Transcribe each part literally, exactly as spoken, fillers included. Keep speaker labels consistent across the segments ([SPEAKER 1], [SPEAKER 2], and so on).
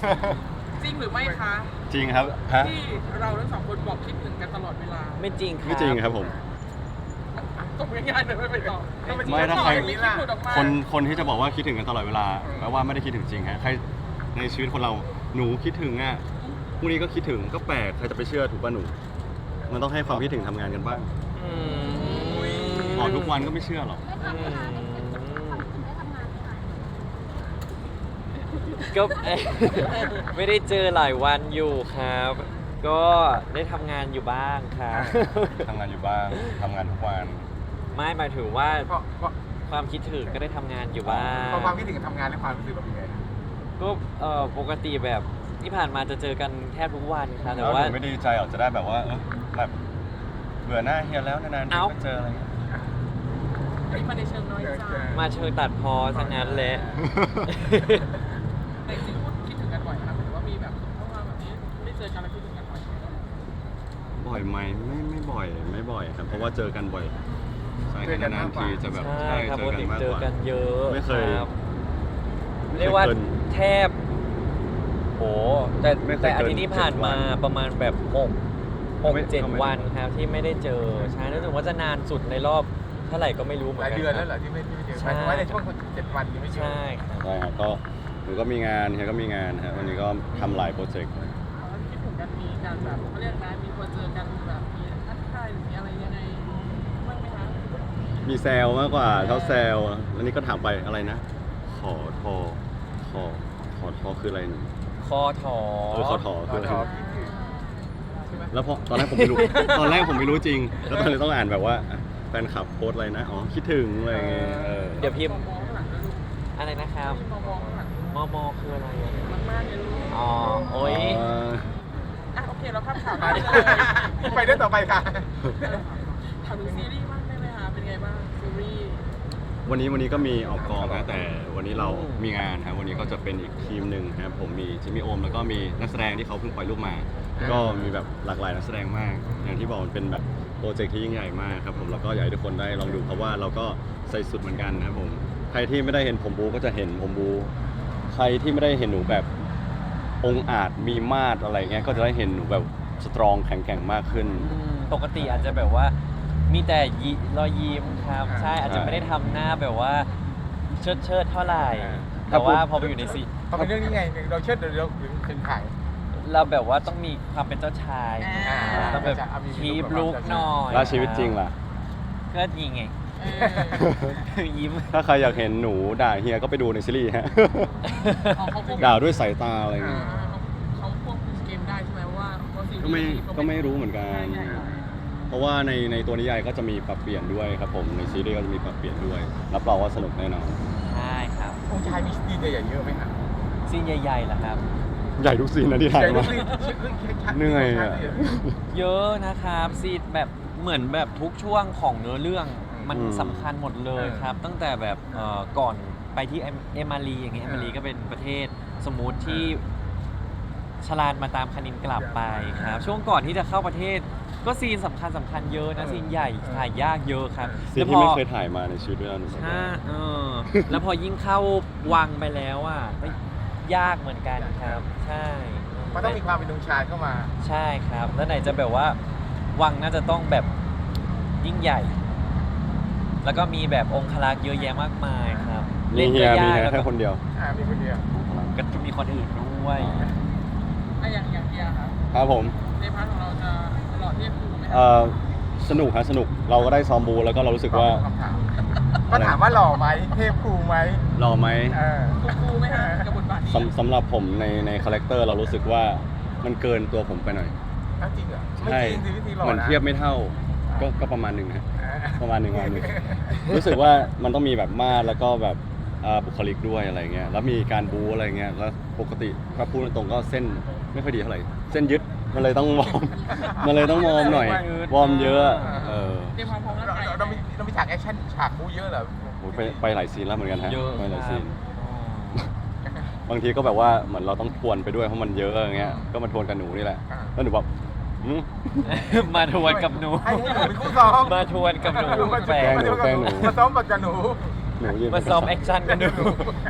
[SPEAKER 1] จริงหรือไม่คะ
[SPEAKER 2] จริงครับฮะ
[SPEAKER 1] ที่เราทั้งสองคนบอกคิดถึงกันตลอดเวลา
[SPEAKER 3] ไม่จริงครับ
[SPEAKER 2] ไม่จริงครับผม
[SPEAKER 1] ตกง่ายๆเลยไม่ไปต่อ
[SPEAKER 2] ไม่ถ้าใคร
[SPEAKER 1] มีคิดหลุดออกมา
[SPEAKER 2] คนคนที่จะบอกว่าคิดถึงกันตลอดเวลาแปลว่าไม่ได้คิดถึงจริงฮะใครในชีวิตคนเราหนูคิดถึงอ่ะพรุ่งนี้ก็คิดถึงก็แปลกใครจะไปเชื่อถูกป่ะหนู มันต้องให้ความคิดถึงทำงานกันบ้าง
[SPEAKER 3] อืม
[SPEAKER 2] บอกทุกวันก็ไม่เชื่อหรอก
[SPEAKER 4] ไม่ทำนะคะไม่ถึงทำถึงได้ทำงานไหมคะ
[SPEAKER 3] ก็ เอ๊ะไม่ได้เจอหลายวันอยู่ครับ ก็ได้ทำงานอยู่บ้างครับ
[SPEAKER 2] ทำงานอยู่บ้างทำงานทุกวัน
[SPEAKER 3] ไม่หมายถึงว่า
[SPEAKER 5] เพราะเพราะ
[SPEAKER 3] ความคิดถึงก็ได้ทำงานอยู่บ้าง
[SPEAKER 5] เพราะความคิดถึงกับทำงานและความรู้สึกแบบยังไงนะ
[SPEAKER 3] ก็เอ่อปกติแบบที่ผ่านมาจะเจอกันแทบทุกวันครับแต่
[SPEAKER 2] แล้วห
[SPEAKER 3] ว่า
[SPEAKER 2] นูไม่ดีใจหรอกจะได้แบบว่าเออแบบเบื่อหน้าเฮียแล้วนานๆที
[SPEAKER 3] เอ้า
[SPEAKER 2] ก็เจออะไรเงี้ย
[SPEAKER 1] นี่มาในเชิงน้อยใจ
[SPEAKER 3] มาเชิงตัดพอซะงั้นแหละ
[SPEAKER 1] แต่จริงๆพูดคิดถึงกันบ่อยนะครับหรือว่ามีแบบเพราะว่าแบบนี้ไม่ได้เจอกันแล้วคิดถึงกันบ่อย
[SPEAKER 2] บ่อยไหมไม่ไม่บ่อยไม่บ่อยครับเพราะว่าเจอกันบ่อยใช่แต่นานๆทีจะแบบ
[SPEAKER 3] ใช่ครับ
[SPEAKER 2] เจ
[SPEAKER 3] ป
[SPEAKER 2] อก กัน
[SPEAKER 3] ติ
[SPEAKER 2] มาก
[SPEAKER 3] เจ
[SPEAKER 2] ก
[SPEAKER 3] อ
[SPEAKER 2] ว่า
[SPEAKER 3] กันเยอะ
[SPEAKER 2] ไม่เคย
[SPEAKER 3] รับเรียกว่า
[SPEAKER 2] ไม่เคยเกิน
[SPEAKER 3] แทบโหแต่
[SPEAKER 2] ไม่เคย
[SPEAKER 3] แต่อาทิตย์นี้ผ่านมา
[SPEAKER 2] เกินเจ็ดวัน
[SPEAKER 3] ประมาณแบบหกหก
[SPEAKER 2] ไม่
[SPEAKER 3] เจ็ด
[SPEAKER 2] ก็ไม่
[SPEAKER 3] วันครับที่ไม่ได้เจอใช่รู้สึกว่าจะนานสุดในรอบเท่าไหร่ก็ไม่รู้เหมื
[SPEAKER 5] ห
[SPEAKER 3] อน
[SPEAKER 5] ลาย
[SPEAKER 3] กัน
[SPEAKER 5] เดือน
[SPEAKER 3] ค
[SPEAKER 5] แล้
[SPEAKER 3] รั
[SPEAKER 5] ว
[SPEAKER 3] บ
[SPEAKER 5] เหรอที่ไม่ที่ไม่เจอ
[SPEAKER 3] ใช่
[SPEAKER 5] หมายถึงว่าในช่วงเจ็ดวันที่ไม่เจอ
[SPEAKER 3] ใช่ครับ
[SPEAKER 2] ใช่ครับก็หนูก็มีงานเฮียก็มีงานฮะวันนี้ก็ทำหลายโปรเจกต์
[SPEAKER 1] แล้วคิดถึงกันมีการแบบเขาเรียกนะมีคนเจอกันแบบมีทักทายหรือมีอะไรยังไงบ้างไหมคะ
[SPEAKER 2] มีแซลมากกว่าชอบแซลแล้วนี่ก็ถามไปอะไรนะ ขอทอขอขอทอคืออะไรหนู
[SPEAKER 3] คอถอ
[SPEAKER 2] เออขอทอ
[SPEAKER 5] ข
[SPEAKER 2] คือ
[SPEAKER 5] อ
[SPEAKER 2] อะไร
[SPEAKER 5] ขอคิดถึงใช่ไหม
[SPEAKER 2] แล้วพอตอนแรกผมไม่รู้ ตอนแรกผมไม่รู้จริง แล้วตอนนี้ต้องอ่านแบบว่าอ่ะแฟนคลับโพสต์อะไรนะอ๋อคิดถึงอะไรอย่างเงี้ยเออ
[SPEAKER 3] เดี๋ยวพิมพ์
[SPEAKER 1] มองข้างหลังด้วยลูก
[SPEAKER 3] อะไรนะครับ
[SPEAKER 1] มองมองข้างหลัง
[SPEAKER 3] มอมอคืออะไรอะ
[SPEAKER 1] มากๆเลยลูก
[SPEAKER 3] อ๋อโอ้ย
[SPEAKER 2] เออ
[SPEAKER 1] อ่ะโอเคเราข้ามข่าว
[SPEAKER 5] ไป
[SPEAKER 1] ไปเลย
[SPEAKER 5] ไปเรื่องต่อไปค่ะ
[SPEAKER 1] ถามถึงซีรีส์บ้างได้ไหมคะเป็นไงบ้างซีรีส์
[SPEAKER 2] วันนี้วันนี้ก็มีออกกองนะแต่วันนี้เรามีงานครับวันนี้ก็จะเป็นอีกทีมหนึ่งครับผมมีจิมมี่โอมแล้วก็มีนักแสดงที่เขาเพิ่งปล่อยรูปมา ก็มีแบบหลากหลายนักแสดงมาก อย่างที่บอกมันเป็นแบบโปรเจกต์ที่ยิ่งใหญ่มากครับผมแล้วก็อยากให้ทุกคนได้ลองดูเพราะว่าเราก็ใส่สุดเหมือนกันนะครับผมใครที่ไม่ได้เห็นผมบูก็จะเห็นผมบูใครที่ไม่ได้เห็นหนูแบบองค์อาจมีมาดอะไรเงี้ยก็จะได้เห็นหนูแบบสตรองแข็งแกร่งมากขึ้น
[SPEAKER 3] อืมปกติอาจจะแบบว่ามีแต่ยิรอยยิ้มครับ
[SPEAKER 5] อ่า
[SPEAKER 3] ใช่อาจจะไม่ได้ทำหน้าแบบว่าเชิดเชิดๆเท่าไหร่
[SPEAKER 5] อ่า
[SPEAKER 3] แต่ว่า
[SPEAKER 2] ถ้าพูด
[SPEAKER 3] พอไปอยู่ในซี
[SPEAKER 5] เพราะเป็นเรื่องนี้ไงเราเชิดเราเราถึงถึงขาย
[SPEAKER 3] เราแบบว่าต้องมีความเป็นเจ้าชาย
[SPEAKER 5] อ่า
[SPEAKER 3] ต้องแบบ
[SPEAKER 5] จะเอามี
[SPEAKER 3] คีบ
[SPEAKER 5] แบบ
[SPEAKER 3] ลุกหน่อย
[SPEAKER 2] แล้วชีวิตจริงล่ะ
[SPEAKER 3] ก็ยิงไง
[SPEAKER 1] เออ
[SPEAKER 3] ยิ้ม
[SPEAKER 2] ถ้าใครอยากเห็นหนูด่าเฮียก็ไปดูในซีรีส์ฮะ
[SPEAKER 1] อ๋อเขาคง
[SPEAKER 2] ด่าด้วยสายตาอะไรอย่างเงี้ย
[SPEAKER 1] อ่าเขาเขาควบคุมเกมได้ใช่ไหมว่าเพราะซีรีส์
[SPEAKER 2] ก็ไม่
[SPEAKER 1] เขา
[SPEAKER 2] ก็ไม่รู้เหมือนกัน
[SPEAKER 1] ใช่
[SPEAKER 2] เพราะว่าในในตัวนิยายก็จะมีปรับเปลี่ยนด้วยครับผมในซีรีส์ก็จะมีปรับเปลี่ยนด้วย รับรองว่าสนุกแน่นอน
[SPEAKER 3] ใช่ครับ
[SPEAKER 5] องค์ชายมีดีใหญ่ๆเยอะไหมครับ
[SPEAKER 3] ซีนใหญ่ๆเหรอครับ
[SPEAKER 2] ใหญ่ทุกซีนนะที่ถ่าย
[SPEAKER 5] ใหญ่
[SPEAKER 2] มา
[SPEAKER 5] ทุกซีนชัดๆ
[SPEAKER 2] เหนื่อยอะ
[SPEAKER 3] เยอะนะครับซีนแบบเหมือนแบบทุกช่วงของเนื้อเรื่องมัน
[SPEAKER 2] อืม
[SPEAKER 3] สำคัญหมดเลยครับ ตั้งแต่แบบเอ่อก่อนไปที่เอมเอมารีอย่างเงี้ยเอมารีก็เป็นประเทศสมมุติที่ชลานมาตามคณินกลับไปครับช่วงก่อนที่จะเข้าประเทศก็ซีนสำคัญสำคัญเยอะนะซีนใหญ่ถ่ายยากเยอะครับ
[SPEAKER 2] ซีนที่ไม่เคยถ่ายมาในชีวิตด้วยนะหนูบอก
[SPEAKER 3] ถ้า
[SPEAKER 2] ว่า
[SPEAKER 3] เออแล้วพอยิ่งเข้าวังไปแล้วอ่ะก็ยากเหมือนกันครับ ใช่
[SPEAKER 5] มันต้องมีความเป็นองค์ชายเข้ามา
[SPEAKER 3] ใช่ครับ แล้วไหนจะแบบว่าวังน่าจะต้องแบบยิ่งใหญ่ แล้วก็มีแบบองครักษ์เยอะแยะมากมายครับ
[SPEAKER 2] มีเฮีย
[SPEAKER 3] ก็
[SPEAKER 2] มี
[SPEAKER 3] ยาก
[SPEAKER 2] เฮีย
[SPEAKER 3] แล้ว
[SPEAKER 2] แค่
[SPEAKER 3] ก็
[SPEAKER 2] คนเดียว
[SPEAKER 5] อ่ามีคนเดียว
[SPEAKER 3] ก็จะมีคนอื่นด้วย
[SPEAKER 1] อ่ะอย่างอย่างเดียครับ
[SPEAKER 2] ครับผม
[SPEAKER 1] ในพาร์ทของเราจะหล่อเทียบคูไหมค
[SPEAKER 2] เอ่
[SPEAKER 1] รับ
[SPEAKER 2] อสนุกฮะสนุกเราก็ได้ซ้อมบูแล้วก็เรารู้สึกว่า
[SPEAKER 5] คำถามก็ถามว่าหล่อไหมเทพครูไหม
[SPEAKER 2] หล่อไหม
[SPEAKER 5] เออ
[SPEAKER 1] คูคูไหมฮะกับบทบาทนี้
[SPEAKER 2] สำสำหรับผมในในคาแรคเตอร์เรารู้สึกว่ามันเกินตัวผมไปหน่อย
[SPEAKER 5] อ้าวจริงเหรอไม่
[SPEAKER 2] ใช่
[SPEAKER 5] จริงสิวิธีหล่อ
[SPEAKER 2] เหมือน
[SPEAKER 5] นะ
[SPEAKER 2] เทียบไม่เท่าก็ก็ประมาณหนึ่งฮะ
[SPEAKER 5] เออ
[SPEAKER 2] ประมาณหนึ่งประมาณหนึ่ง รู้สึกว่ามันต้องมีแบบมาดแล้วก็แบบเอ่อบุคลิกด้วยอะไรเงี้ยแล้วมีการบูอะไรเงี้ยแล้วปกติถ้าพูดตรงๆก็เส้นไม่ค่อยดีเท่าไหร่เส้นยึดมันเลยต้องวอร์ม มันเลยต้องวอร์มหน่อยวอร์มเยอะเออ
[SPEAKER 1] เตรียมความพร้อมร่าง
[SPEAKER 5] เรา
[SPEAKER 1] กาย
[SPEAKER 5] เราเรามีเรามีฉากแอคชั่นฉากบู๊เยอะเหรอ
[SPEAKER 2] โอ้ยไปไปหลายซีนแล้วเหมือนกันฮะ
[SPEAKER 3] เยอะ
[SPEAKER 2] ไปหลาย
[SPEAKER 3] ค
[SPEAKER 2] ซี
[SPEAKER 3] รับ
[SPEAKER 2] นบางทีก็แบบว่าเหมือนเราต้องทวนไปด้วยเพราะมันเยอะอย่างเงี้ยก็มาทวนกับหนูนี่แหละ
[SPEAKER 5] อ่า
[SPEAKER 2] แล้วหนูแบบหืม
[SPEAKER 3] มาทวนกับหนู
[SPEAKER 5] ให้ให้หนูเป็นคู่ซ้อม
[SPEAKER 3] มาทวนกับหนู
[SPEAKER 5] มา
[SPEAKER 3] แฝง
[SPEAKER 2] หนูแกล้งหนู
[SPEAKER 5] มาซ้อมกับหนู
[SPEAKER 2] หนูยืน
[SPEAKER 3] มาซ้อมแอคชั่นกันดู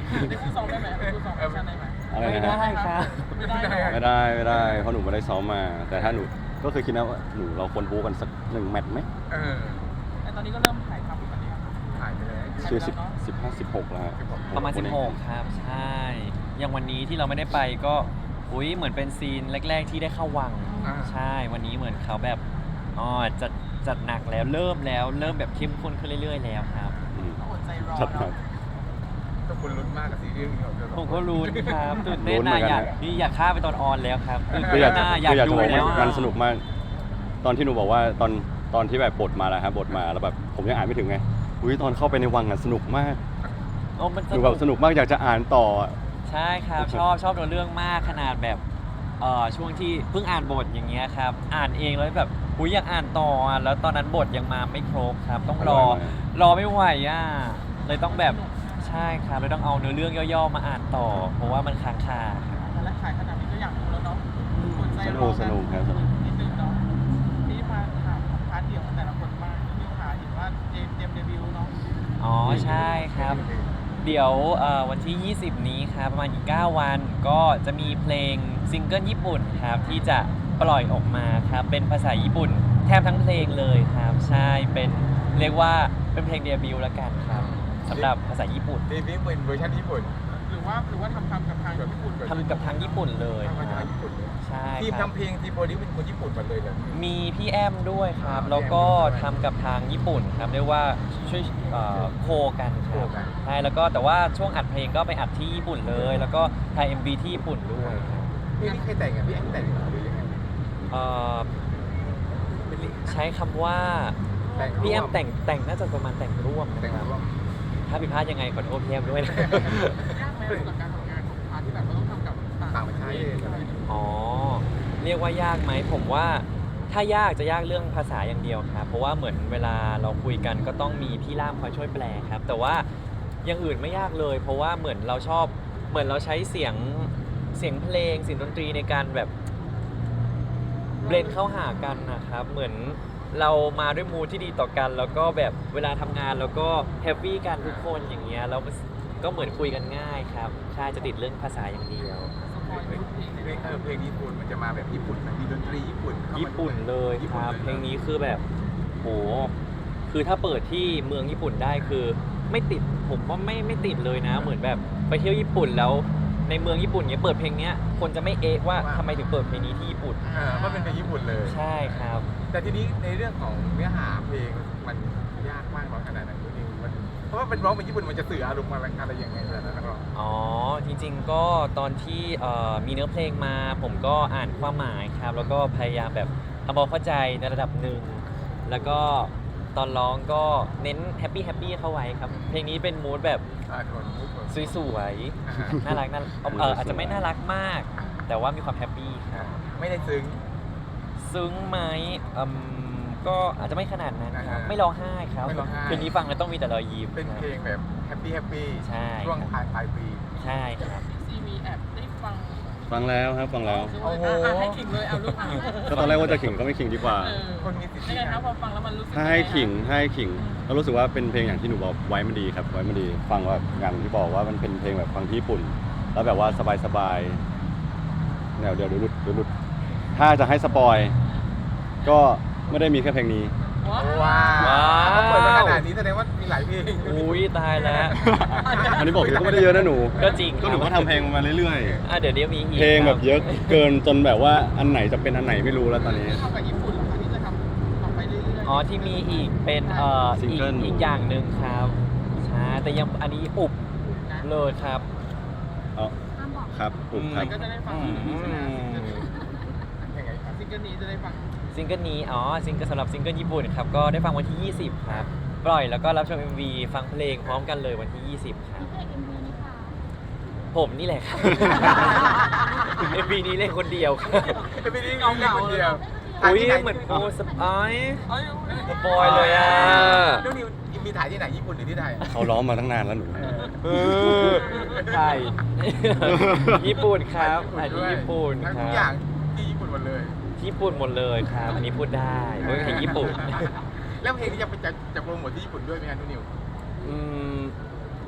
[SPEAKER 1] ได้คู่ซ้อมได้ไหมได้คู่ซ้อมแอคชั่นได้ไหม
[SPEAKER 2] อะไร
[SPEAKER 3] ไม่
[SPEAKER 2] นะ
[SPEAKER 3] ได้
[SPEAKER 2] ฮะ
[SPEAKER 3] ครับ
[SPEAKER 1] ไม่ได้เหรอ
[SPEAKER 2] ไม่ได้ไม่ได้เพราะหนูไม่ได้ซ้อมมา แต่ถ้าหนูก็คือคิดนะว่าหนูเราควรบู๊กันสักหนึ่งแมตช์ไหม
[SPEAKER 5] เออ
[SPEAKER 1] แต่ตอนนี้ก็เริ่มถ่ายทำกันแล้ว
[SPEAKER 5] ถ่ายไปเลย
[SPEAKER 2] คือสิบสิบห้าสิบหกแล้วฮะ
[SPEAKER 3] ประมาณสิบหกครับ ใช่ อย่างวันนี้ที่เราไม่ได้ไปก็อุ้ยเหมือนเป็นซีนแรก ๆ ที่ได้เข้าวัง
[SPEAKER 5] อ่า
[SPEAKER 3] ใช่ วันนี้เหมือนเขาแบบอ๋อจัดจัดหนักแล้วเริ่มแล้วเริ่มแบบเข้มข้นขึ้นเรื่อยๆแล้วครับ
[SPEAKER 2] อืม
[SPEAKER 1] อดใจรอ
[SPEAKER 2] ชัดครั
[SPEAKER 1] เนาะ
[SPEAKER 2] บ
[SPEAKER 5] ทุกคนลุ้นมากกับซีรีส์นี้ของเรา
[SPEAKER 3] ผมก็รู้ครับตื่นเต้น
[SPEAKER 2] ลุ้นเหมื
[SPEAKER 3] นะ
[SPEAKER 2] อนกัน
[SPEAKER 3] อยาก
[SPEAKER 2] นะ
[SPEAKER 3] นี่อยากฆ่าไปตอนออนแล้วครับตื่น
[SPEAKER 2] คือ
[SPEAKER 3] เต้
[SPEAKER 2] อน ยาก
[SPEAKER 3] นะอยาก
[SPEAKER 2] คืออยาก
[SPEAKER 3] ดู
[SPEAKER 2] จะบอก
[SPEAKER 3] แล้ว
[SPEAKER 2] ว่า
[SPEAKER 3] อะ
[SPEAKER 2] มันสนุกมาก ตอนที่หนูบอกว่าตอนตอนที่แบบบทมาแล้วครับบทมาแล้วแบบผมยังอ่านไม่ถึงไงอุ้ยตอนเข้าไปในวังอ่ะสนุกมาก
[SPEAKER 3] โอ้มัน
[SPEAKER 2] หนูแบบสนุกมากอยากจะอ่านต่ออะ
[SPEAKER 3] ใช่ครับ ชอบชอบตัวเรื่องมากขนาดแบบเอ่อช่วงที่เพิ่งอ่านบทอย่างเงี้ยครับอ่านเองแล้วแบบอุ้ยอยากอ่านต่ออะแล้วตอนนั้นบทยังมาไม่ครบครับ ต้องรอรอไม่ไหวอ่ะเลยต้องแบบใช่ครับเลยต้องเอาเนื้อเรื่องย่อๆมาอ่านต่อ เพราะว่ามันค้างคาครับ
[SPEAKER 1] และขายขนาดนี้ก็อยากดูแล้วเนาะอดใจ
[SPEAKER 2] ส
[SPEAKER 1] ร
[SPEAKER 2] นุ
[SPEAKER 1] อก
[SPEAKER 2] สนุกครับสนุก
[SPEAKER 1] นิดนึงเนาะนี่มาถามพาร์ทเดียวของแต่ละคนบ้างนิวขาเห็นว่าเจมส์เตรียมเดบิวต์เนาะ
[SPEAKER 3] อ๋อใช่ครับ เดี๋ยวเอ่อวันที่ ยี่สิบ นี้ครับประมาณอีก เก้า วันก็จะมีเพลงซิงเกิลญี่ปุ่นครับที่จะปล่อยออกมาครับเป็นภาษาญี่ปุ่นแทบทั้งเพลงเลยครับ ใช่เป็นเรียกว่าเป็นเพลงเดบิวต์ละกันครับสำหรับภาษาญี่ปุ่น
[SPEAKER 5] เดบิวต์เป็นเวอร์ชันญี่ปุ่น
[SPEAKER 1] หรือว่าหรือว่าทำทำกับทางญี่ปุ่น
[SPEAKER 3] ทำกับทางญี่ปุ่นเลย
[SPEAKER 5] ทำมา
[SPEAKER 3] ค
[SPEAKER 5] จาก
[SPEAKER 3] รับ
[SPEAKER 5] ญี่ปุ่นเลย
[SPEAKER 3] ใช่
[SPEAKER 5] ทีม
[SPEAKER 3] ครับ
[SPEAKER 5] ทำเพลงทีมโปรดิวเป็นคนญี่ปุ่นหมดเลยเหรอ
[SPEAKER 3] มีพี่แอมด้วยครับ
[SPEAKER 5] อ่า
[SPEAKER 3] แล้วก็
[SPEAKER 5] พี่แอมด้วย
[SPEAKER 3] ทำกับทางญี่ปุ่นครับเรียกว่าช่วยเอ่อโคกันค
[SPEAKER 5] โครับ กัน
[SPEAKER 3] ใช่แล้วก็แต่ว่าช่วงอัดเพลงก็ไปอัดที่ญี่ปุ่นเลย แล้วก็ถ่าย เอ็ม วี ที่ญี่ปุ่นด้วยครับ
[SPEAKER 5] เพลงนี้ใครแต่งอ่ะพี่แอนแต่งหรือยังไง
[SPEAKER 3] เอ่อใช้คำว่า
[SPEAKER 5] แต่ง
[SPEAKER 3] พี่แอม
[SPEAKER 5] ร่ว
[SPEAKER 3] แต่งแต่งน่าจะประมาณแต่งร่วมนะ
[SPEAKER 5] แต่ง
[SPEAKER 3] ครับ
[SPEAKER 5] ร่วม
[SPEAKER 3] ถ้าผิดพลาดยังไงขอโทษพี่แอมด้วยนะ
[SPEAKER 1] ยากไหมกับการทำงานของพาร์ทที่แบบเราต้องทำกับ
[SPEAKER 5] ต่างประเทศอะไร
[SPEAKER 3] อ๋อ เรียกว่ายากไหมผมว่าถ้ายากจะยากเรื่องภาษาอย่างเดียวครับ เพราะว่าเหมือนเวลาเราคุยกันก็ต้องมีพี่ล่ามคอยช่วยแปลครับ แต่ว่าอย่างอื่นไม่ยากเลย เพราะว่าเหมือนเราชอบเหมือนเราใช้เสียงเสียงเพลงเสียงดนตรีในการแบบเบลนเข้าหากันนะครับ เหมือนเรามาด้วยมูดที่ดีต่อกัน แล้วก็แบบเวลาทำงานแล้วก็แฮปปี้กันทุกคนอย่างเงี้ยแล้วก็เหมือนคุยกันง่ายครับใช่จะติดเรื่องภาษาอย่างเดียว
[SPEAKER 5] เพลงเพลงเออเพลงญี่ปุ่นมันจะมาแบบญี่ปุ่นมีดนตรีญี่ปุ่นเข้ามา
[SPEAKER 3] ญี่ปุ่นเลยครับ เพลงนี้คือแบบโหคือถ้าเปิดที่เมืองญี่ปุ่นได้คือไม่ติดผมว่าไม่ไม่ติดเลยนะ เหมือนแบบไปเที่ยวญี่ปุ่นแล้วในเมืองญี่ปุ่นเนี้ยเปิดเพลงเนี้ยคนจะไม่เอะว่าทำไมถึงเปิดเพลงนี้ที่ญี่ปุ่น
[SPEAKER 5] เออมันเป็นเพลงญี่ปุ่นเลย
[SPEAKER 3] ใช่ครับ
[SPEAKER 5] แต่ทีนี้ในเรื่องของเนื้อหาเพลงมันยากมากน้อยขนาดไหนคุณนิวมันเพราะว่าเป็นร้องเป็นญี่ปุ่นมันจะสื่ออารมณ์อะไรอะไรยังไงแต่ละนักร้อง
[SPEAKER 3] อ๋อจริงๆก็ตอนที่เอ่อมีเนื้อเพลงมา ผมก็อ่านความหมายครับ แล้วก็พยายามแบบทำความเข้าใจในระดับหนึ่งแล้วก็ตอนร้องก็เน้นแฮปปี้แฮปปี้เข้าไว้ครับ เพลงนี้เป็นมูดแบบ
[SPEAKER 5] อ่าคนพูดคน
[SPEAKER 3] สวย
[SPEAKER 5] อ่า
[SPEAKER 3] ๆน่ารักน่าเอออาจจะไม่น่ารักมาก แต่ว่ามีความแฮปปี้ครับ
[SPEAKER 5] ไม่ได้ซึ้ง
[SPEAKER 3] ซึ้งไหมอืมก็อาจจะไม่ขนาดนั้นครับ
[SPEAKER 5] อ่า
[SPEAKER 3] ไม่ร้องไห้ครับ
[SPEAKER 5] ไม่ร้องไห้
[SPEAKER 3] เพลงนี้ฟังแล้วต้องมีแต่รอยยิ้ม
[SPEAKER 5] เป็น
[SPEAKER 3] ครับ
[SPEAKER 5] เพลงแบบแฮปปี้แฮปปี้
[SPEAKER 3] ใช่
[SPEAKER 5] ช่วงปลายปลายปี
[SPEAKER 3] ใช่ครับ
[SPEAKER 1] ซีมีแอบได้ฟัง
[SPEAKER 2] ฟังแล้วครับฟังแล้ว
[SPEAKER 5] โอ้โห
[SPEAKER 1] อ่ะให้ขิงเลยเอาลูกอ่ะ
[SPEAKER 2] ก็ตอนแรกว่าจะขิงก็ไม่ขิงดีกว่า
[SPEAKER 1] เออ
[SPEAKER 5] คนมีสิทธิ์
[SPEAKER 1] ยังไงครับพอฟังแล้วมันรู้สึก
[SPEAKER 2] ถ้าให้ขิงถ้าให้ขิงเรารู้สึกว่าเป็นเพลงอย่างที่หนูบอกไว้มันดีครับไว้มันดี ฟังแบบอย่างที่บอกว่ามันเป็นเพลงแบบฟังที่ญี่ปุ่น แล้วแบบว่าสบายๆแนวเดียวเดี๋ยวหลุดเดี๋ยวหลุดถ้าจะให้สปอยก็ไม่ได้มีแค่เพลงนี้
[SPEAKER 1] ว้าว
[SPEAKER 5] ว้าว
[SPEAKER 3] ว้าว
[SPEAKER 5] เขาเปิดมาขนาดนี้แสดงว่ามีหลายเพลง
[SPEAKER 3] อุ้ยตายแล้ว
[SPEAKER 2] อันนี้บอกเลยก็ไม่ได้เยอะนะหนู
[SPEAKER 3] ก็จริง
[SPEAKER 2] ก็หนูก็ทำเพลงมาเรื่อย
[SPEAKER 3] อ่ะเดี๋ยวนี้มีอีก
[SPEAKER 2] ๆ เพลงแบบ
[SPEAKER 3] ครั
[SPEAKER 2] เยอะเกินจนแบบว่าอันไหนจะเป็นอันไหนไม่รู้แล้วตอนนี้
[SPEAKER 1] ทำกับญี่ปุ่นเหรอคะที่จะทำต่อไปเรื่อยๆ
[SPEAKER 3] อ๋อที่มีอีกเป็นเอ่อ
[SPEAKER 2] ซิง
[SPEAKER 3] อีก
[SPEAKER 2] เกิล
[SPEAKER 3] อีกอย่างหนึ่งครับใช่แต่ยังอันนี้อุบ
[SPEAKER 1] นะ
[SPEAKER 3] เลยครับ
[SPEAKER 2] เอา
[SPEAKER 4] ห้ามบอก
[SPEAKER 2] ครับผมครับ
[SPEAKER 1] ก็จะได้ฟัง
[SPEAKER 3] อืม
[SPEAKER 1] ใช่ไหม
[SPEAKER 5] ยังไงครับ
[SPEAKER 1] ซิงเกิลนี้จะได้ฟัง
[SPEAKER 3] ซิงเกิลนี้อ๋อซิงเกิลสำหรับซิงเกิลญี่ปุ่นครับก็ได้ฟังวันที่ ยี่สิบ ครับ ปล่อยแล้วก็รับชม เอ็ม วี ฟังเพลงพร้อมกันเลยวันที่ ยี่สิบ ครับ
[SPEAKER 4] พี่เอกเอ็มวีนี่ค่ะ
[SPEAKER 3] ผมนี่แหละครับ เอ็ม วี นี้เล่นคนเดียวครับ
[SPEAKER 5] จะไม่ได้เงาเงาคนเดียว
[SPEAKER 3] อุ้ย
[SPEAKER 5] ถ่าที่ไ
[SPEAKER 3] เหมือนโอ้สปอย
[SPEAKER 1] เอ้ย
[SPEAKER 3] สปอยเลยอ่ะ
[SPEAKER 5] น้องนิวมีถ่ายที่ไหนญี่ปุ่นหรือที่ไทย
[SPEAKER 2] เขาร้องมาตั้งนานแล้วหนู
[SPEAKER 3] เออใช่ ญี่ปุ่นครับอันนี้ญี่ปุ่น
[SPEAKER 5] ทั้ง
[SPEAKER 3] ค
[SPEAKER 5] ทุ
[SPEAKER 3] รั
[SPEAKER 5] กอย่าง
[SPEAKER 3] บ
[SPEAKER 5] ที่ญี่ปุ่นหมดเลย
[SPEAKER 3] ญี่ปุ่นหมดเลยครับ อันนี้พูดได้เพราะเป็นเพลงญี่ปุ่น
[SPEAKER 5] แล้วเพลงนี้จะไปจะจะโปรโมทที่ญี่ปุ่นด้วยไหมครับน้องนิว
[SPEAKER 3] อืมไป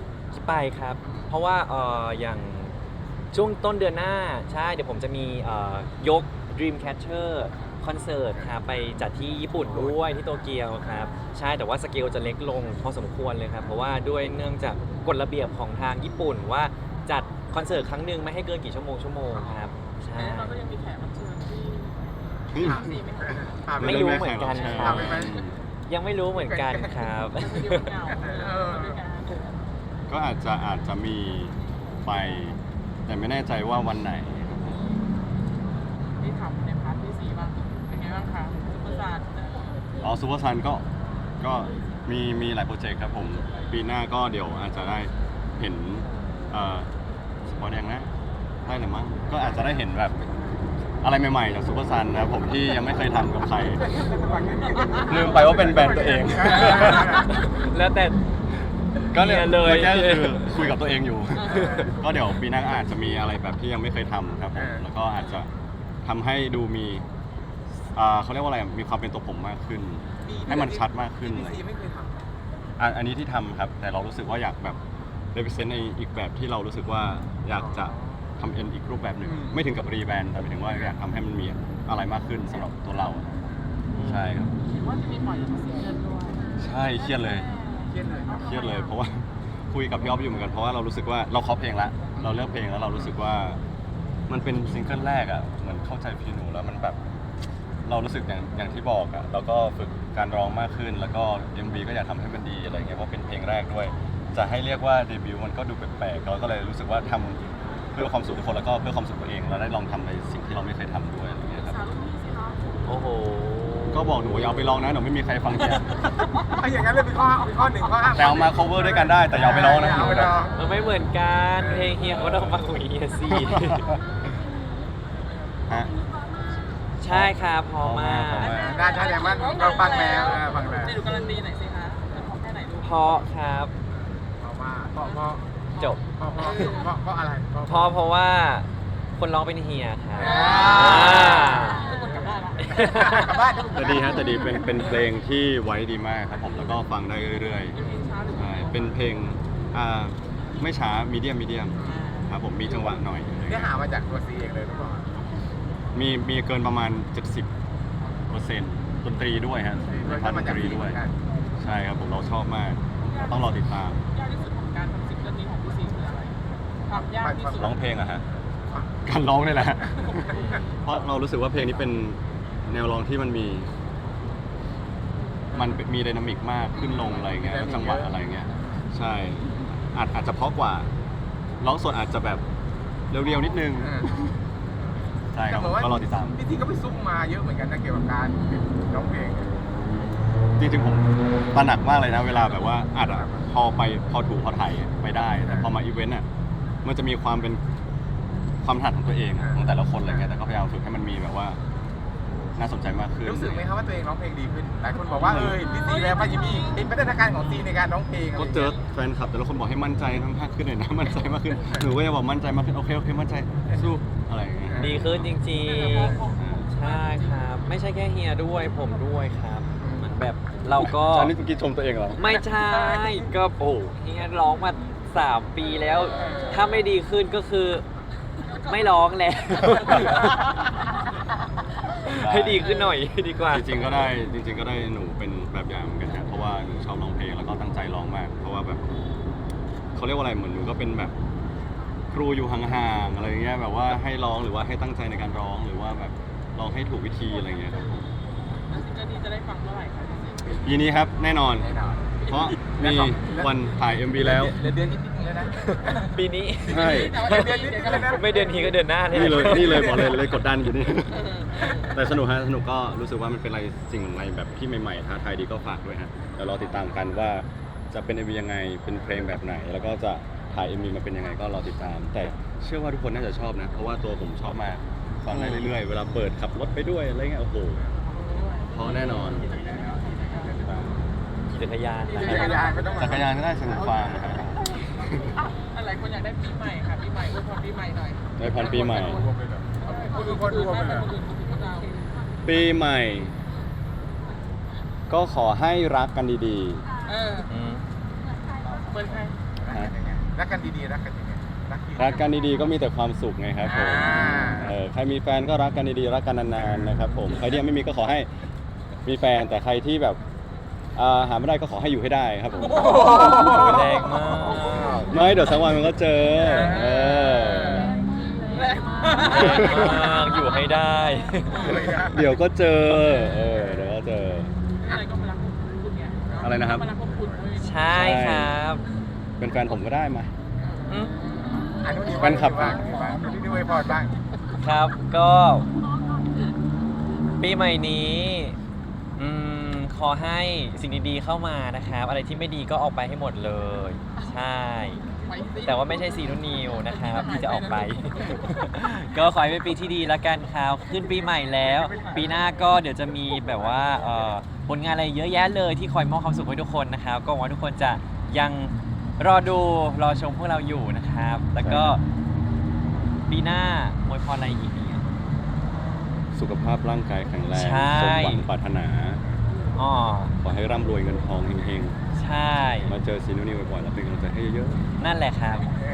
[SPEAKER 3] ไปครับ เพราะว่าเอ่ออย่างช่วงต้นเดือนหน้าใช่เดี๋ยวผมจะมีเอ่อยก Dreamcatcher คอนเสิร์ตครับไปจัดที่ญี่ปุ่นด้วยที่โตเกียวครับใช่แต่ว่าสเกลจะเล็กลงพอสมควรเลยครับเพราะว่าด้วยเนื่องจากกฎระเบียบของทางญี่ปุ่นว่าจัดคอนเสิร์ตครั้งหนึ่งไม่ให้เกินกี่ชั่วโมงชั่วโมงครับใช่
[SPEAKER 1] แต่เราก็ยังมีแขกรับเชิญที่
[SPEAKER 2] อืม
[SPEAKER 1] ถามสิไม่ถาม
[SPEAKER 5] ถามป
[SPEAKER 3] ไม่รู้เหมือนกัน
[SPEAKER 2] ใช่
[SPEAKER 3] ครับ
[SPEAKER 5] ถามไปไหม
[SPEAKER 3] ยังไม่รู้เหมือนกันครับ
[SPEAKER 1] มันจะดูเหงาด้วยกัน
[SPEAKER 2] ก็อาจจะอาจจะมีไปแต่ไม่แน่ใจว่าวันไหน
[SPEAKER 1] ที่ทำในพาร์ทที่สี่บ้างเป็นไงบ้างคะซุปเปอร์สตาร์
[SPEAKER 2] อ๋อซูเปอร์ซันก็ก็มีมีหลายโปรเจกต์ครับผม ปีหน้าก็เดี๋ยวอาจจะได้เห็นเอ่อสปอยแดงนะได้หรือมั้งก็อาจจะได้เห็นแบบอะไรใหม่ๆจากซูเปอร์ซันนะครับผมที่ยังไม่เคยทำกับใคร ลืมไปว่าเป็นแบรนด์ตัวเอง
[SPEAKER 3] แล้วแต่
[SPEAKER 2] ก็เลย
[SPEAKER 3] เลย
[SPEAKER 2] แค่คือคุยกับตัวเองอยู่ ก็เดี๋ยวปีหน้าอาจจะมีอะไรแบบที่ยังไม่เคยทำครับผม แล้วก็อาจจะทำให้ดูมีอ่าเขาเรียกว่าอะไรมีความเป็นตัวผมมากขึ้น ให้มันชัดมากขึ้น
[SPEAKER 5] ที่
[SPEAKER 2] อะไร
[SPEAKER 5] พี่ซีไม่เคยทำ
[SPEAKER 2] อันอันนี้ที่ทำครับ แต่เรารู้สึกว่าอยากแบบ represent ในอีกแบบที่เรารู้สึกว่าอยากจะทำเอ็นอีกรูปแบบหนึ่ง
[SPEAKER 5] อืม
[SPEAKER 2] ไม่ถึงกับรีแบรนด์แต่หมายถึงว่าอยากทำให้มันมีอะไรมากขึ้นสำหรับตัวเรา ใช่ครับ
[SPEAKER 1] เห็นว่าจะมีปล่อยซิงเกิลด้วย
[SPEAKER 2] ใช่เครียดเลย
[SPEAKER 5] เครียดเลยครับ
[SPEAKER 2] เครียดเลยเพราะว่า คุยกับพี่อ๊อฟอยู่เหมือนกันเพราะว่าเรารู้สึกว่าเราเคาะเพลงละเราเลือกเพลงแล้วเรารู้สึกว่ามันเป็นซิงเกิลแรกอ่ะเหมือนเข้าใจพี่หนูแล้วมันแบบ เรารู้สึกอย่างอย่างที่บอกอ่ะแล้วก็ฝึกการร้องมากขึ้น แล้วก็ เอ็ม วี ก็อยากทำให้มันดีอะไรเงี้ยเพราะเป็นเพลงแรกด้วย จะให้เรียกว่าเดบิวต์มันก็ดูแปลกๆเราก็เลยรู้สึกว่าทำเพื่อความสุขทุกคนแล้วก็เพื่อความสุขตัวเองเราได้ลองทำในสิ่งที่เราไม่เคยทำด้วยอะไรเงี้ยครับ
[SPEAKER 1] สาวรุ่นพี่สิคะ
[SPEAKER 3] โอ้โห
[SPEAKER 2] ก็บอกหนูอย่าเอาไปลองนะหนูไม่มีใครฟังแก
[SPEAKER 5] ถ้าอย่างนั้นเลยเป็นข้อเป็นข้อหนึ่งข้อห้าม
[SPEAKER 2] แต่เอามา cover ด้วยกันได้แต่อย่าเอาไปร้องนะ
[SPEAKER 5] เอาไปร้อง
[SPEAKER 3] มันไม่เหมือนกันเพลงเฮียเขาต้องมาคุยเฮียสิ
[SPEAKER 2] ฮะ
[SPEAKER 3] ใช่ครับพอมาก
[SPEAKER 2] พอมาก
[SPEAKER 5] ได้ใช่แต่มันเราฟังแล้วเออฟังแล้ว
[SPEAKER 1] จะดูการันตีหน่อยสิคะเป็นของแค่ไหนลูก
[SPEAKER 3] เพราะครับ
[SPEAKER 5] เอาว่าเพราะเพราะ
[SPEAKER 3] จบ
[SPEAKER 5] เพราะเพราะเพราะเพราะอะไร
[SPEAKER 3] เพราะเพราะว่าคนร้องเป็นเฮียครับ
[SPEAKER 5] อ่า
[SPEAKER 1] ทุกคนกลับได้ละ
[SPEAKER 5] กลับบ้าน
[SPEAKER 2] แต่ดีฮะแต่ดีเป็นเป็นเพลงที่ไว้ดีมากครับผมแล้วก็ฟังได้เรื่อย
[SPEAKER 1] เป็นเพลงช้าหรือ
[SPEAKER 2] ๆใช่เป็นเพลงอ่าไม่ช้ามีเดียมมีเดียมครับผมมีจังหวะหน่อย
[SPEAKER 5] เนื้อหามาจากตัวซีเองเลยหรือเปล่า
[SPEAKER 2] มีมีเกินประมาณ เจ็ดสิบเปอร์เซ็นต์ ดนตรีด้วยฮะในพาร์ทดนตรีด้วย ใช่ครับผมเราชอบมาก ต้องรอติดตาม
[SPEAKER 1] ยากที่สุดของการทำซิงเกิลนี้ของพี่ซีคืออะไรความยากที่สุด
[SPEAKER 2] ร้องเพลงอะฮะการร้องนี่แหละ ฮะเพราะเรารู้สึกว่าเพลงนี้เป็นแนวร้องที่มันมี มันมีไดนามิกมากขึ้นลงอะไรเงี้ยแล้วจังหวะอะไรเงี้ยใช่อาจอาจจะเพราะกว่า ร้องสดอาจจะแบบเรียวๆนิดนึง ใช่ครับผมก็รอติดตาม
[SPEAKER 5] พี่ซีก็ไปซุ่มมาเยอะเหมือนกันนะเกี่ยวกับการร้องเพลง
[SPEAKER 2] จริงๆผมตระหนักมากเลยนะเวลาแบบว่าอาจจะพอไปพอถูกพอถ่ายไปได้แต่พอมาอีเวนต์อ่ะมันจะมีความเป็นความถนัดของตัวเองอะของแต่ละคนอะไรเงี้ยแต่ก็พยายามฝึกให้มันมีแบบว่า น่าสนใจมากขึ้น
[SPEAKER 5] รู้สึกไหมครับว่าตัวเองร้องเพลงดีขึ้นหลายคนบอกว่าเออพี่ซีแล้วพายิมีเห็นพัฒนาการของซีในการร้องเพลงอะไร
[SPEAKER 2] ก็
[SPEAKER 5] อย่าง
[SPEAKER 2] เจ
[SPEAKER 5] เงี้
[SPEAKER 2] อย แฟนคลับแต่ละคนบอกให้มั่นใจมากขึ้นหน่อยนะ มั่นใจมากขึ้นหนูก็จะบอกมั่นใจมากขึ้นโอเคโอเคมั่นใจสู้อะไรอย่างเงี้ย
[SPEAKER 3] ดีขึ้นจริงๆ ใช่ครับ ไม่ใช่แค่เฮียด้วยผมด้วยครับเหมือนแบบเราก็
[SPEAKER 2] อันนี้เมื่อกี้ชมตัวเองเหรอ
[SPEAKER 3] ไม่ใช่ ก็โอ้เฮียร้องมาสามปีแล้ว ถ้าไม่ดีขึ้นก็คือไม่ร้องแล้ว ให้ดีขึ้นหน่อยดีกว่า
[SPEAKER 2] จริงๆก็ได้จริง ๆ ก็ได้หนูเป็นแบบอย่างเหมือนกันครับเพราะว่าหนูชอบร้องเพลงแล้วก็ตั้งใจร้องมาก เพราะว่าแบบเขาเรียกว่าอะไรเหมือนหนูก็เป็นแบบครูอยู่ห่างๆอะไรเงี้ยแบบว่าให้ร้องหรือว่าให้ตั้งใจในการร้องหรือว่าแบบร้องให้ถูกวิธีอะไรเงี้ยครับ
[SPEAKER 1] แล้วซิงเกิลนี้จะได้ฟังเมื่อไหร่คะพี่ซี
[SPEAKER 2] ปีนี้ครับแน่นอน
[SPEAKER 5] แน่นอน
[SPEAKER 2] เพราะมีวันถ่าย เอ็ม วี แล้ว
[SPEAKER 5] เหลือเดือนนิดนิดนึงแล้วนะ
[SPEAKER 3] ปีนี้
[SPEAKER 2] ใช่
[SPEAKER 5] เดือนนิดนึงแล้วนะ
[SPEAKER 3] ไม่เดือนนี้ก็เดือนหน้าเนี่ย
[SPEAKER 2] นี่เลยนี่เลยบอกเลยเลยกดดันอยู่นี่ แต่สนุกฮะสนุกก็รู้สึกว่ามันเป็นอะไรสิ่งอะไรแบบที่ใหม่ๆท้าทายดีก็ฝากด้วยฮะเดี๋ยวรอติดตามกันว่าจะเป็น เอ็ม วี ยังไงเป็นเพลงแบบไหน แล้วก็จะถ่าย เอ็ม วี มาเป็นยังไงก็รอติดตาม แต่เชื่อว่าทุกคนน่าจะชอบนะ เพราะว่าตัวผมชอบมากฟังได้เรื่อยๆ เวลาเปิดขับรถไปด้วยอะไรเงี้ยโอ้โหเพราะแน่นอน
[SPEAKER 3] จักรยานนะ
[SPEAKER 5] จั
[SPEAKER 3] ค
[SPEAKER 5] ก
[SPEAKER 3] รั
[SPEAKER 5] ร
[SPEAKER 3] บ
[SPEAKER 5] ยานก็ต้อง
[SPEAKER 2] จักรยานก็ได้สนุกฟังนะครับ
[SPEAKER 1] อ่ะอะไรคนอยากได้ปีใหม่ค่ะปีใหม่อวยพรปีใหม่หน่อย
[SPEAKER 2] ในพันปีใหม่
[SPEAKER 5] คนอื่นคนรวมไปเลย
[SPEAKER 1] คนอื่นคนอื่นคนเรา
[SPEAKER 2] ปีใหม่ ก็ขอให้รักกันดี
[SPEAKER 1] เออ
[SPEAKER 3] อืม
[SPEAKER 1] เปิดใคร
[SPEAKER 2] ๆฮะ
[SPEAKER 5] เรักกันดีๆรักกันยังไงรักดี
[SPEAKER 2] รักกันดีๆก็มีแต่ความสุขไงครับผม
[SPEAKER 5] อ่า
[SPEAKER 2] เออใครมีแฟนก็รักกันดีๆรักกันนานๆนะครับผมใครที่ยังไม่มีก็ขอให้มีแฟนแต่ใครที่แบบอ่าหาไม่ได้ก็ขอให้อยู่ให้ได้ครับผม
[SPEAKER 3] แรงมาก
[SPEAKER 2] ไม่เดี๋ยวสักวันมันก็เจอเออ
[SPEAKER 1] แรงมาก
[SPEAKER 3] แรงมากอยู่ให้ได้
[SPEAKER 2] เดี๋ยวก็เจอเออเดี๋ยวก็เจอ
[SPEAKER 1] อะไรก็มารักคุณไง
[SPEAKER 2] อะไรนะครับ
[SPEAKER 1] มารักพวกคุณเลย
[SPEAKER 3] ใช่ครับ
[SPEAKER 2] เป็นแฟนผมก็ได้มา
[SPEAKER 3] อืม
[SPEAKER 5] อันนู้นดี
[SPEAKER 2] แฟนคลับ
[SPEAKER 5] บ้างดีบ้างอันนี้ด้วยพอบ้าง
[SPEAKER 3] ครับก็ปีใหม่นี้อืมขอให้สิ่งดีๆเข้ามานะครับ อะไรที่ไม่ดีก็ออกไปให้หมดเลย ใช่
[SPEAKER 1] ไปสิ
[SPEAKER 3] แต่ว่าไม่ใช่ซีนูนิวนะครับที่จะออกไป ก็ขอให้เป็นปีที่ดีละกันครับขึ้นปีใหม่แล้ว ปีหน้าก็เดี๋ยวจะมีแบบว่าเอ่อผลงานอะไรเยอะแยะเลยที่คอยมอบความสุขให้ทุกคนนะครับ ก็หวังว่าทุกคนจะยังรอดูรอชมพวกเราอยู่นะครับ แล้วก็ปีหน้าอวยพรอะไรอีกเนี่ย
[SPEAKER 2] สุขภาพร่างกายแข็งแรง
[SPEAKER 3] ใช่
[SPEAKER 2] สมหวังปรารถนา
[SPEAKER 3] อ๋อ
[SPEAKER 2] ขอให้ร่ำรวยเงินทองเฮง
[SPEAKER 3] ใช่
[SPEAKER 2] ๆ มาเจอซีนูนิวบ่อยๆแล้วเป็นกำลังใจให้เยอะ
[SPEAKER 3] นั่นแหละครับ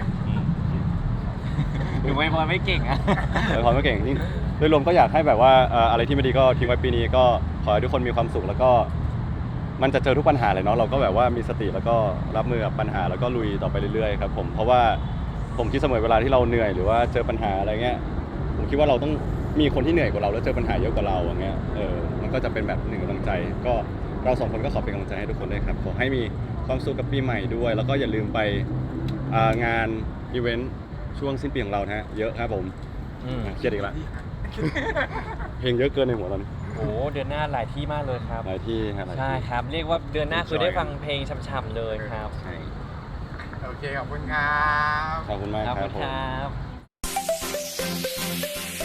[SPEAKER 3] หนูอวยพรไม่เก่งอะ
[SPEAKER 2] ๆแต่พอไม่เก่งนี่โดยรวมก็อยากให้แบบว่าเอ่ออะไรที่ไม่ดีก็ทิ้งไว้ปีนี้ก็ขอให้ทุกคนมีความสุขแล้วก็ มันจะเจอทุกปัญหาเลยเนาะเราก็แบบว่ามีสติแล้วก็รับมือกับปัญหาแล้วก็ลุยต่อไปเรื่อยๆครับผมเพราะว่าผมคิดเสมอเวลาที่เราเหนื่อยหรือว่าเจอปัญหาอะไรเงี้ยผมคิดว่าเราต้องมีคนที่เหนื่อยกว่าเราแล้วเจอปัญหาเยอะกว่าเราอย่างเงี้ยเออมันก็จะเป็นแบบหนึ่งกำลังใจ ก็เราสองคนก็ขอเป็นกำลังใจให้ทุกคนด้วยครับขอให้มีความสุขกับปีใหม่ด้วย แล้วก็อย่าลืมไปอ่างานอีเวนต์ช่วงสิ้นปีของเรานะฮะเยอะครับผม
[SPEAKER 3] อืม
[SPEAKER 2] อ่ะเครียดอีกแล้วเพลงเยอะเกินในหัวตอนนี้
[SPEAKER 3] โอ้เดือนหน้าหลายที่มากเลยครับ
[SPEAKER 2] หลายที่ฮะหลาย
[SPEAKER 3] ใช่
[SPEAKER 2] ที่
[SPEAKER 3] ครับ เรียกว่าเดือนหน้าคือได้ฟังเพลงช่ำๆเลยครับ
[SPEAKER 2] ใช่
[SPEAKER 5] โอเคขอบคุณครับ
[SPEAKER 2] ขอบคุณมาก
[SPEAKER 3] ขอบ
[SPEAKER 2] ค
[SPEAKER 3] คุ
[SPEAKER 2] รับ
[SPEAKER 3] ณ
[SPEAKER 2] ผม
[SPEAKER 3] ครับ